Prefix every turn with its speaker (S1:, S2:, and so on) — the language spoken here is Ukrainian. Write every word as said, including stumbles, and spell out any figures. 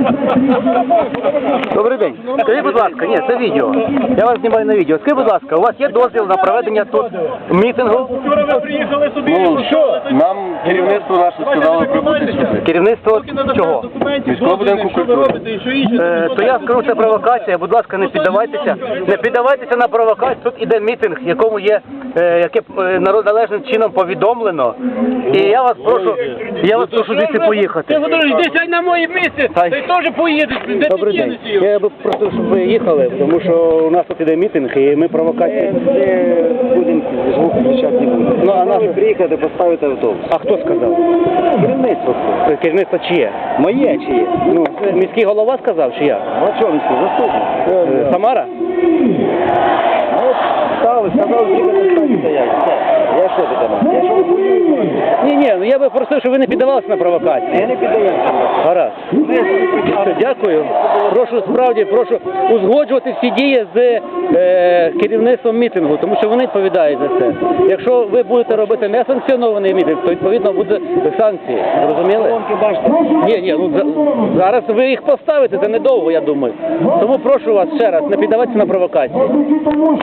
S1: Добрий день. Скажіть, будь ласка, ні, це відео. Я вас знімаю на відео. Скажіть, будь ласка, у вас є дозвіл на проведення тут мітингу?
S2: Вчора ви приїхали собі,
S3: Ну,
S2: що?
S3: Нам керівництво наше сказало прибути сюди.
S1: Керівництво чого?
S3: Міського будинку
S2: що ви
S3: культури.
S2: робите і що інше.
S1: Е, то я скажу, це провокація. Будь ласка, не піддавайтеся. Не піддавайтеся на провокацію. Тут іде мітинг, якому є, е, яке е, народ- належним чином повідомлено. І я вас прошу, я вас прошу звідси
S2: Ти,
S1: поїхати.
S2: Володимир, йди сядь на моє місце,
S1: Хай.
S2: ти теж поїдеш, де ти
S1: Добрий день.
S2: кинеш його?
S1: Я би просто, щоб ви їхали, тому що у нас тут іде мітинг, і ми провокації.
S3: Будемо звук включати не будемо.
S1: Ну, а наш...
S3: приїхати, поставити автобус.
S1: А хто сказав?
S3: Керівництво.
S1: Е, Керівництво чиє?
S3: Моє чи є?
S1: Ну, міський голова сказав, чи я?
S3: Ну, а чого міський заступник?
S1: Е, Самара?
S3: Ну, стали, сказав, їхати, стати стоять. Все. Я що ти там? Я що ви поїхали?
S1: Ні, ні, ну я би просив, щоб ви не піддавалися на провокації.
S3: Я не піддаємося.
S1: Гаразд. Все, дякую. Прошу, справді, прошу узгоджувати всі дії з е, керівництвом мітингу, тому що вони відповідають за це. Якщо ви будете робити несанкціонований мітинг, то відповідно буде санкції. Зрозуміли?
S3: Колонки бачите?
S1: Ні, ні, ну за- зараз ви їх поставите, це недовго, я думаю. Тому прошу вас ще раз, не піддавайтеся на провокації.